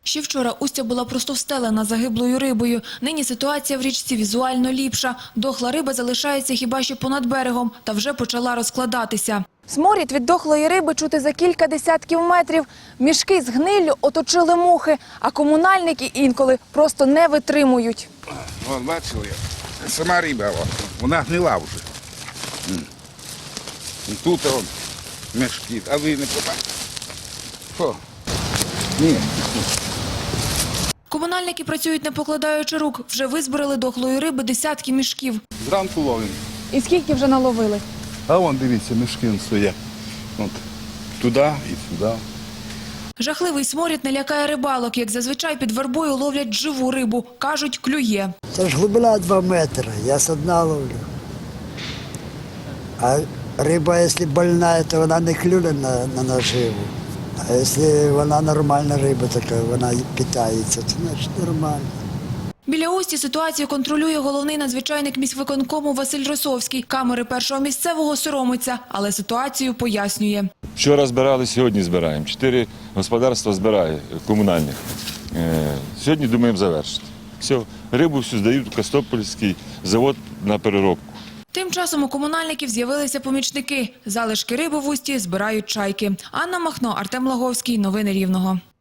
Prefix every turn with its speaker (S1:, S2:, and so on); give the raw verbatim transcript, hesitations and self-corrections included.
S1: Ще вчора Устя була просто встелена загиблою рибою. Нині ситуація в річці візуально ліпша. Дохла риба залишається хіба що понад берегом та вже почала розкладатися. Сморід від дохлої риби чути за кілька десятків метрів. Мішки з гниллю оточили мухи, а комунальники інколи просто не витримують.
S2: Вон, бачили, сама риба, вона гнила вже. Тут он мішки, а ви не побачите? Що? Ні.
S1: Комунальники працюють не покладаючи рук. Вже визбирали дохлої риби десятки мішків.
S3: Зранку ловимо.
S1: І скільки вже наловили?
S3: А вон, дивіться, мішки стоять. От, туди і сюди.
S1: Жахливий сморід не лякає рибалок. Як зазвичай під вербою ловлять живу рибу. Кажуть, клює.
S4: Це ж глибина два метри, я з дна ловлю. А риба, якщо больна, то вона не клює на, на наживу. А якщо вона нормальна риба, така вона питається, то значить нормально.
S1: Біля Усті ситуацію контролює головний надзвичайник міськвиконкому Василь Росовський. Камери першого місцевого соромиться, але ситуацію пояснює.
S5: Вчора збирали, сьогодні збираємо. Чотири господарства збирає комунальних. Сьогодні думаємо завершити. Все, рибу всю здають у Костопольський завод на переробку.
S1: Тим часом у комунальників з'явилися помічники. Залишки риби в Усті збирають чайки. Анна Махно, Артем Лаговський. Новини Рівного.